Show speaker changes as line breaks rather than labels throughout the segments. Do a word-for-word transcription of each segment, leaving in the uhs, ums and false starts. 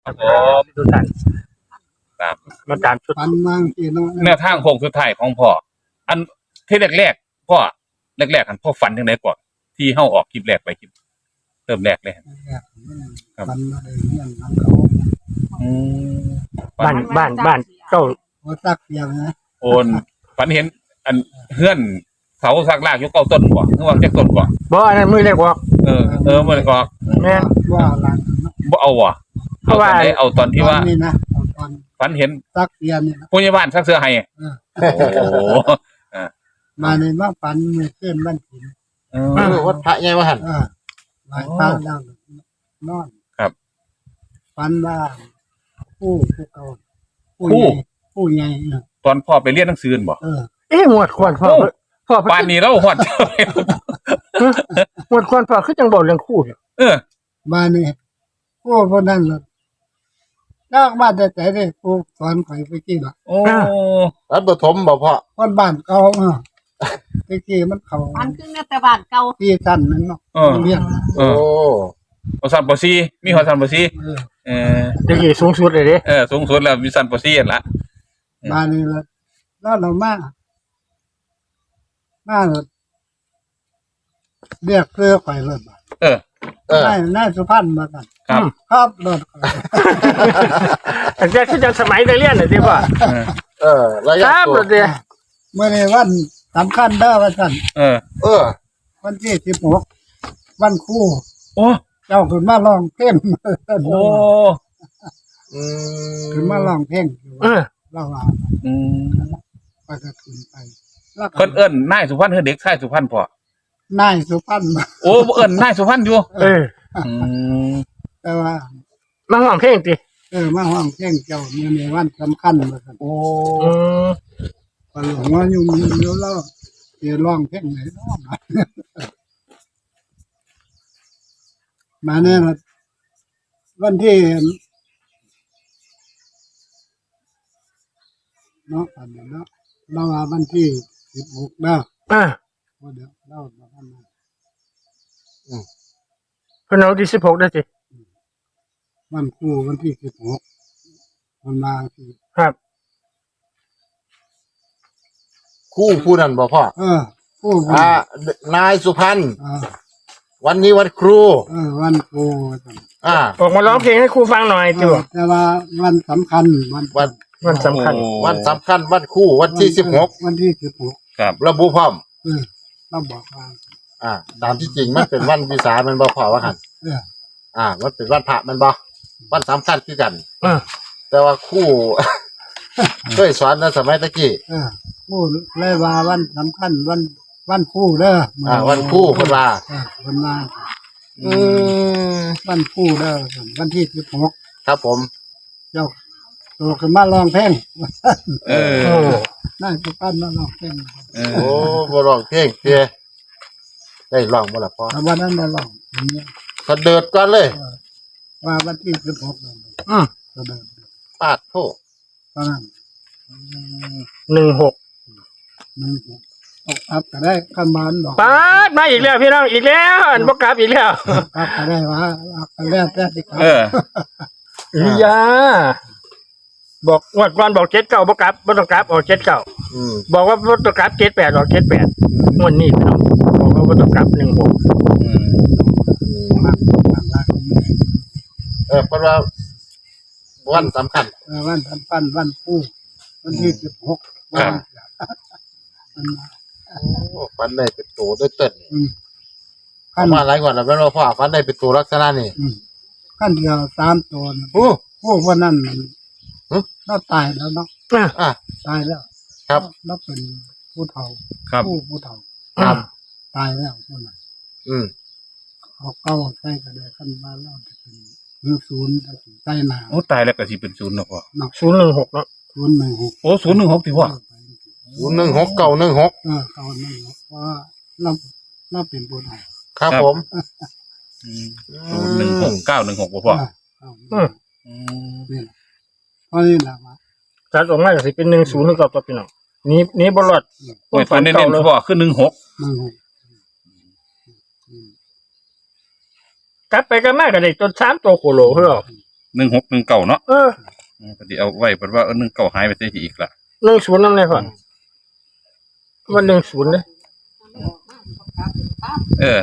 ครับผมทุกท่านครับมาตามชุด
ปันบางทีเนาะ
แนวทางโค้งสุดท้ายของพ่ออันที่แรกๆพ่อแรกๆอันพ่อฝันยังไงก่อนที่เฮาออกคลิปแรกไปคลิปเริ่มแรกเลย ครับ
ปันอะไรเนี่ยนังเขา
อืม
บ้านบ้านบ้านเจ้า
เขาตักอย่างนะ
โอนฝันเห็นอันเฮือนเสาสักลากอยู่เก้าต้นบ่นึกว่าจักต้นบ่
บ่อันนั้นมือเล็กบอก
เออเออมันก็
แม่น
ว่าหลัง
บ่เอาว่ะ
เพราะว่า
อตอนไหนเอาตอนที่ว่า
นี่นะเอาตอน
ฝันเห็น
ตักเตียนนี่นะ
ผู้ใหญ่บ้านซักเสื้อให้
เออ
โอ้โห
มาในว่าปันมือเส้นบ้านถิ่น
เอ
เอ
อ
อวัดพระไงวะหัน
เออหลายตาแล้วนอน
ครับ
ปันว่าผู้ผู้เก่าผู้ใหญ่ผู้ใหญ่เออ
ตอนพ่อไปเรียนหนังสือบ่
เออ
เอ๊ะหมวดควรพ่อ
โอ้
พ่อ
ป่านนี้เราฮอด
หมวดควรพ่อคือจังบอกเรื่องคู่อยู่
เออ
มาเนี่ยผู้คนนั้นล่ะยากมาแต่แต่เลยผู้สอนข่อยไปกี่ละ
โอ้
วัดปฐมบ่พ่อ
คนบ้านเก่าเออไปกี่มันเขา
อันคือแต่บ้านเก่า
ที่สั้นนั่นเนาะ
เออ
เรียน
เอ
โอ้
อบ่ซันบ่ซีมีหัวซันบ่ซี
เออ
เออ
เดี๋ยวนี้สูงสุดเลยเด้
เออสูงสุดแล้วมีซันบ่ซีนั่นล่ะ
มานี่ละแล้วเรามามาเลยเรียกเพื่อข่อยเลยบาด
เออ
เออ
นายนายสุพรรณมากัน
ครับ
ครับรถข่อย
แต่แต่คือจังสมัยได้เรียนน่ะสิพ่อ
เออ
เออระ
ค
ยะ
รับ
ตัว
รถเดีย
เมื่อในวันสำคัญเด้อวันสัน
เออ
เออ
วันที่สิบหกวันครู่
โอ้
เจ้าขึ้นมาลองเพลง
โอ้
อืม
ขึ้นมาลองเพลง
เออ
เราว่า
อืม
ไปก็ขึ้นไปแล้วก็
เพิ่นเอิ้นนายสุพรรณคือเด็กชายสุพรรณพ่อน
ายสุพรรณมา
โอ้บ่เอิ้นนายสุพรรณอยู่
เออ
อืม
แต่ว่า
มาห้องเพลงติ
เออมาห้องเพลงเจ้าเมื่อในวันสำคัญมาสัน
โอ้
อืม
พอหลวงว่าอยู่มีอยู่แล้วเดี๋ยวร้องเพลงไหนเนาะมามาเนี่ยนะวันที่เนาะอันนี้เนาะเราว่าวันที่สิบหกเนาะ
อ่า
เดี๋ยวเรามาทำมา
เพิ่นเอาที่สิบหกได้สิ
วันครูวันที่สิบหกวันมาที่
ครับ
คู่ผู้นั้นบ่พ่อ
เออครูวัน
อ่านายสุพรรณ
เออ
วันนี้วันครู
เออวันครูว่าซั่น
อ่า
ออกมาร้องเพลงให้ครูฟังหน่อย
เอ
ติ
อ
ว
แต่ว่าวันสำคัญวัน
วัน
มันสำคัญ
โอ้
วันสำคัญวันครู่วันที่สิบหก
วันที่สิบหก
ครับ
ระบุพร้อม
เออเราบอกว่า
อ่า ตามที่จริงมันเป็นวันวิสามันบ่พ่อว่าหัน
เออ
อ่า มันเป็นวันพระมันบ่วันสำคัญคือกัน
เออ
แต่ว่าครู่ เคยสอนในสมัยตะกี้
เออครูเลยว่าวันสำคัญวันวันครูเด้อ
อ่า วันครู่เพิ่นว่า
เออวันมา
อืม
วันครูเด้อวันที่สิบหก
ครับผม
เจ้าตัวขึ้นมาร้องเพลง
เออ
โอ้
น่าจะปั้นมาร้องเพลง
เออ
โอ้บ่ร้องเพลงเตี้ยได้ร้องบ่ล่ะพ่อ
แต่วันนั้นมาร้องอย่างเงี้ย
ก็เดิดก่อนเลย
ว่าวันที่สิบหกนั่น
อืม
ก็เดิน
ปาดโทษ
ตอนนั้น
หนึ่งหก
หนึ่งหกออกอัพก็ได้ขันบานดอก
ปาดมาอีกแล้วพี่น้องอีกแล้วอันบ่กลับอีกแล้ว
อัพก็ได้ว่าอัพก็แล้วแต่ที่เขา
เออ
อียาบอกงวดก่อนบอกเจ็ดเก้าบ่กลับบ่ต้องกลับออกเจ็ดเก้า
อืม
บอกว่าบ่ต้องกลับเจ็ดแปดออกเจ็ดแปดงวดนี้พี่น้องบอกว่าบ่ต้องกลับหนึ่งหก
อืม
มากมากมาก
เออเพราะว่าวันสำคัญ
เออวันสำคัญวันคู่วันที่สิบหกวันมันมา
โอ้ฟันได้เป็นตัวด้วยเต้น
อืม
เข้ามาหลายกว่าแล้วแม่นว่าพ่อฟันได้เป็นตัวลักษณะนี่
อืมขั้นเดียวสามตัวนะ
โอ้
พวกวันนั้นมัน
ฮะ
เราตายแล้วเนาะ
อ่ะ
อ่ะ
ตายแล้ว
ครับ
เราเป็นผู้เฒ่า
ครับ
ผู้ผู้เฒ่า
ครับ
ตายแล้วคนนั้น
อืม
เขาเก้าใส่ก็ได้ขั้นมาแล้วจะเป็นหนึ่งศูนย์ใต้หนา
โอ้ตายแล้วก็สิเป็นศูนย์เนาะพ่อ
ศูนย์หนึ่งหกเนาะ
ศูนย์หนึ่งหก
โอ้ศูนย์หนึ่งหกที่พ่อ
ศูนย์หนึ่งหกเก้าหนึ่งหก
เออเก้าหนึ่งหกเพราะว่าเราเราเป็นผู้เฒ่า
ครับผม
อืมศูนย์หนึ่งหกเก้าหนึ่งหกบ่พ่อ
เก้า
อืม
อืม
นี่แหละเพราะนี่แหละว่า
จัดออกมาก็สิเป็นหนึ่งศูนย์หรือเกับตัวพี่น้องนี้นี้บ่รอด
โอ้ยตัวเน้นๆพ่อคือหนึ่งหก
หนึ่งหก
กลับไปกันมาก็ได้จนสามตัวโคโลเพิ่นหรอก
หนึ่งหกหนึ่งเก้าเนาะ
เออ
อืมพอดีเอาไว้เพราะว่าเออหนึ่งเก้าหายไปเสียทีอีกละ
หนึ่งศูนย์นั่นเลยก่อนวันหนึ่งศูนย์เลย
เออ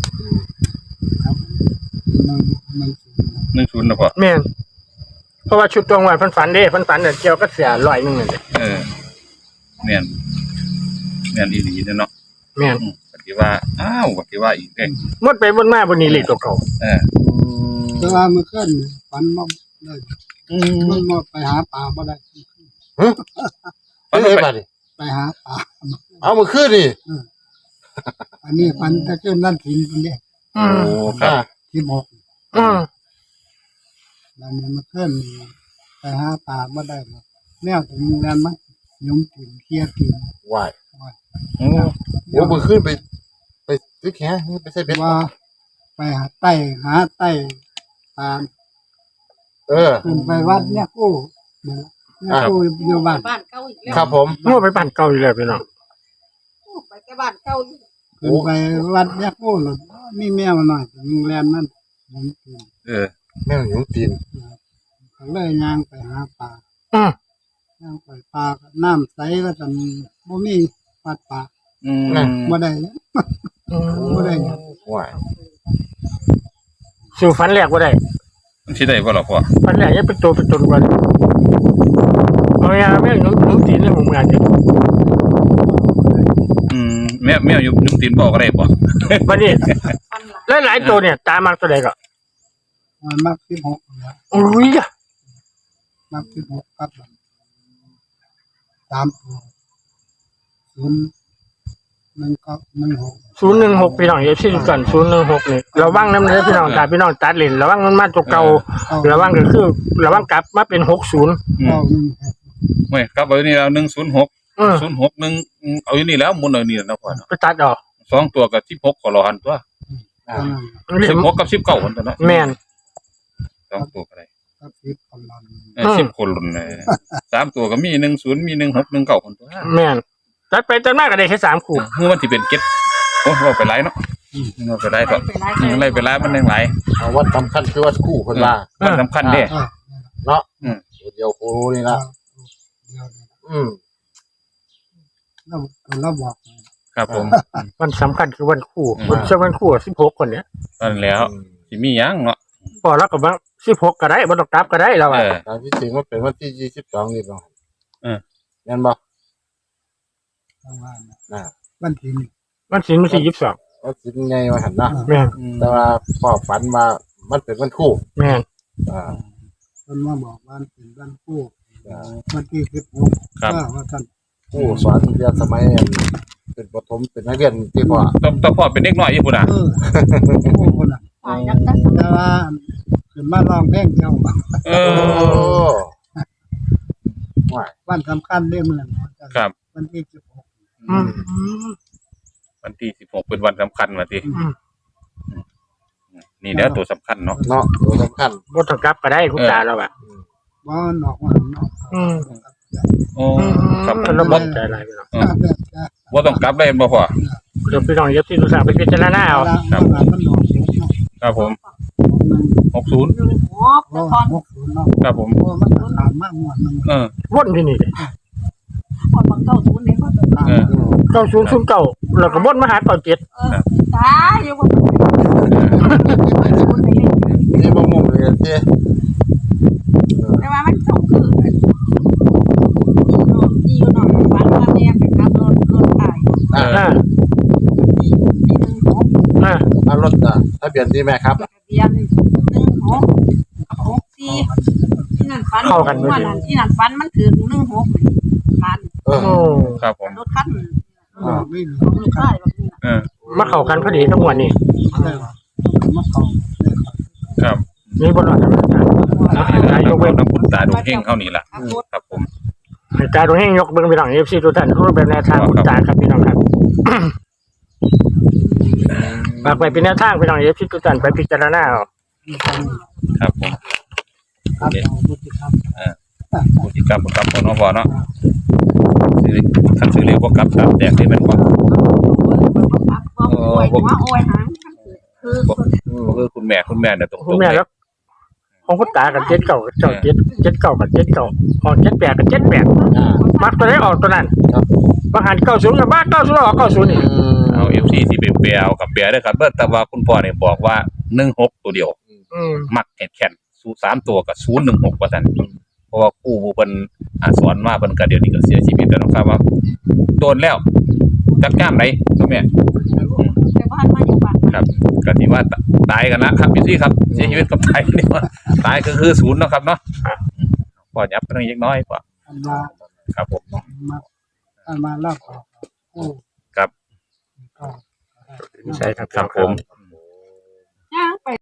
มันมันสูงนะ
หนึ่งศูนย์นะพ่อ
แม่นเพราะว่าชุดตรงวันฝันฝันเด้ฝันฝันเนี่ยเกี่ยวก็เสียร้อยหนึงนั่นเลย
เออแม่นแม่นอีหลีเนาะ
แม่น
อืมปฏิว่าอ้าวปฏิว่าอีกเด้ง
หมดไปบนมาบนนี้เลขตัวเก่า
เออ
แต่ว่าเมื่อคืนนี่ฝันมาได้
อืม
มันมาไปหาปลาบ่ได้
ไม่ได้บัดนี่
ไปหาปลา
เอามาขึ้นนี่
อันนี้ฝันแต่คืนนั่นถิ่นคนนี้
อืม
โอ้ครับ
ที่บอก
อืม
แล้วนี่เมื่อคืนนี่ไปหาปลาบ่ได้หรอกแนวถึงแลนมั้งยมถิ่นเคลียร์ถิ่น
วาย
อืม
โอ้มาขึ้นไป ไปซื้อแขนไปใส่เบ็ด
ว่าไปหาไต้หาไต้ปลา
เออ
ขึ้นไปวัดเนี่ยกู้เนี่ยกู้อยู่บ้าน
บ้านเก่าอีกแล้ว
ครับผม
มั่วไปบ้านเก่าอยู่แล้วพี่น้อง
ไปแต่บ้านเก่าอีก
ขึ้นไปวัดเนี่ยกู้หรอมีแมวหน่อยถึงแลนนั่นยมถิ่น
เออ
แม่งอยู่ตีน
ก็เลยย่างไปหาปลา
อืม
ย่างไปปลาก็น้ำใสแล้วกันบ่มีปัดปลา
อืม
บ่ได้เลย
อืม
บ่ได้หยัง
วาย
สู่ฝันแรกว่าได้
มันสิได้บ่ล่ะพ่อ
ฝันแรกยังเป็นตัวเป็นตนกว่าเอาอย่างแม่งหนุ่มหนุ่มตีนเลยผมงานอยู่
อืมแม่แม่อยู่นุ่มตีนบอกก็ได้บ่
วันนี้
ฟันหลัง
หลายๆตัวเนี่ยตามมาตัวใดก็
มันมักสิบหกแล้ว
อุ้ยอะ
มักสิบหกกับมันสามตัวศูนย์หนึ่งเก้าหนึ่งหก
ศูนย์หนึ่งหกพี่น้องเอฟซีทุกท่านศูนย์หนึ่งหกนี่ระวังน้ำเนื้อพี่น้องตาพี่น้องตัดเลนระวังมันมาตัวเก่าระวังก็คือระวังกลับมาเป็นหกศูนย์
อืม
เก้าหนึ่งหก
เว้ยกลับเอาอยู่นี่แล้วหนึ่งศูนย์หก
อืม
ศูนย์หกหนึ่งอืมเอาอยู่นี่แล้วหมุนเอาอยู่นี่แล้วนะพ่อเนาะ
ไปตัดออก
สองตัวกับสิบหกขอรอหันตัว
อ่า
เท่านั้น
สิบหกกับสิบเก้าคนตัวเนาะ
แม่น
สองตัวก็ได้
กับสิบคนละ
เออสิบคนรุ่นเลยสามตัวก็มีหนึ่งศูนย์มีหนึ่งหกหนึ่งเก้าคนตัว
แม่นตัดไปตัดมาก็ได้แค่สามคู่
เมื่อวันที่เป็นเก็ตโอ้เราไปไล่เนาะเราไปไล่ต่อ
ไปไล่
อืมไล่ไปไล่มันยังไล่
เอาวัดสำคัญคือวัดคู่คนว่า
มันสำคัญเด้
เออ
เนาะ
อืม
เดียวโคนี่ละ
เดียวเนี่ย
อืม
เราเราบอก
ครับผม
วันสำคัญคือวันคู่
อืม
วันจะวันคู่สิบหกคนเนี้ย
ตอนแล้วสิมีหยังเนาะ
พอแล้วก็มาสิบหกก็ได้บ่ต้องกลับก็ได้แล้ว
เอ
อ่ะ
อ
ตามที่จริงมันเป็นวันที่ยี่สิบสองนี่บ้าง
เออ
แม่นบ่
ประมาณนั้น
น่ะ
วันที่หนึ่ง
วันศิลป์มันสี่ยี่สิบสอง
วันสิไงมาหันเนาะ
แม่น
แต่ว่าพ่อฝันมามันเป็นวันคู่
แม่น
อ่า
คนมาบอกว่าเป็นวันคู่
อ่า
วันที่สิบหก
ครับ
ว่าว่าท่าน
คู่สอนเรียนสมัยเป็นประถมเป็นนักเรียนที่พ่อ
ต้องต้องพ่อเป็นเด็กน้อยอยู่พุ่นน่ะ
เออคู่คนน่ะ
ฝ่ายนักการ
แต่ว่าขึ้นมาร้องเพลงเดียว
เอ
โอ้
อ
วาย
วันสำคัญเรื่องเมือง
ครับ
วันที่สิบหก
อืม
วันที่สิบหกเป็นวันสำคัญมาที
อืม
นี่เด้อตัวสำคัญเนาะ
เนาะตัวสำคัญ
บ่ต้องกลับก็ได้คุณตาแล้วอ่ะ
ว่าหนอกว่าหนอก
อืม
โอ้
อืม
ครับผม
แล้วบ่ใจอะไรพี่น้อง
เออว่าต้องกลับได้บ่พ่อ
เดี๋ยวพี่น้องเอฟซีทุกท่านไปพิจารณาเอา
ครับ
มันหนอกเนาะ
ครับผมหกศูนย์
หนึ่งหัว
เพราะ
ตอน
หกศูนย์เนาะ
ครับผม
เพราะมันขามมากหมดนึง
เออ
วนที่นี่
พอตอนเก้าศูนย์เนี่ยก็
ขาม
เออ
อืม
เก้าศูนย์ศูนย์เก้าแล้วก็วนมาหาเก้าเจ็ด
เออตายอยู่บ่ไป
นี่บ่มุมเลยเจ้
แต่ว่ามันส่งคืออีอยู่หน่อยฟันว่าเนี่ยไปขับรถรถตาย
อ่า
อ่า
ที่ที่หนึ่งหก
อ่า
อารถอ่ะทะเบียนนี่แม่ครับ
ทะเบียนหนึ่งหกหกสี่ที่นั่นฟันว่านั่นที่นั่นฟันมันถือหนึ่งหกฟัน
เออ
โอ้
ครับผม
รถคัน
อ่าไม่มี
ของลูกชายแบบนี้
เออ
มาเข้ากันพอดีทั้งวันนี้
ได้หรอกมาเข้าได้ครับ
ครับ
นี่บ่รอดแล้วนะ
นี่แหละครับเราต้องคุณตาดูเฮงเข้านี่ล่ะ
ขับรถ
ครับผม
ให้ตาตรงนี้ยกเบิ่งพี่น้องเอฟซีทุกท่านรูปแบบแนวทางคุณตาครับพี่น้องครับฝากไปเป็นแนวทางพี่น้องเอฟซีทุกท่านไปพิจารณาเอา
มีการ
ครับผม
ครับเอาบุตรครับ
ผู้ที่กลับบ่กลับบ่เนาะพ่อเนาะซื้อคันซื้อเร็วบ่กลับตามแตกนี่แม่นบ่
โอ้ยว่าโอ้ยหางคือ
บ่คือคุณแม่คุณแม่เนี่ยตรง
คุณ
ๆ
แม่
เลย
แล้วของคุณตากับเจ็ดเก่าเจ้าเจ็ดเจ็ดเก่ากับเจ็ดเก่าออกเจ็ดแปดกับเจ็ดแปด
อ่า
มักตัวไหนออกตัวนั้น
ครับ
บางหันเก้าศูนย์กับบ้านเก้าศูนย์ออกเก้าศูนย์นี่
เอา เอฟ ซี สิไปแปลเอากับแปลเด้อครับเด้อแต่ว่าคุณพ่อเนี่ยบอกว่าหนึ่งหกตัวเดียว
อืม
มักแข็งแข็งสูสามตัวกับศูนย์หนึ่งหกว่าซั่นเพราะว่าครูผู้เพิ่นอ่าสอนมาเพิ่นก็เดี๋ยวนี้ก็เสียชีวิตแล้วเนาะครับว่าโดนแล้วจักย่ามไหนตัวแม่
แต่บ้านมาอยู่บ้าน
ครับก็ที่ว่าตายกันนะครับพี่ซี่ครับเสียชีวิตกับตายนี่ว่าตายก็คือศูนย์เนาะครับเนาะพอยับไปเล็กน้อยกว่า
อันมา
ครับผม
มาอันมาลากออกโอ้
ครับ
ก็
ใช่ครับ
ครับผม
ย่างไป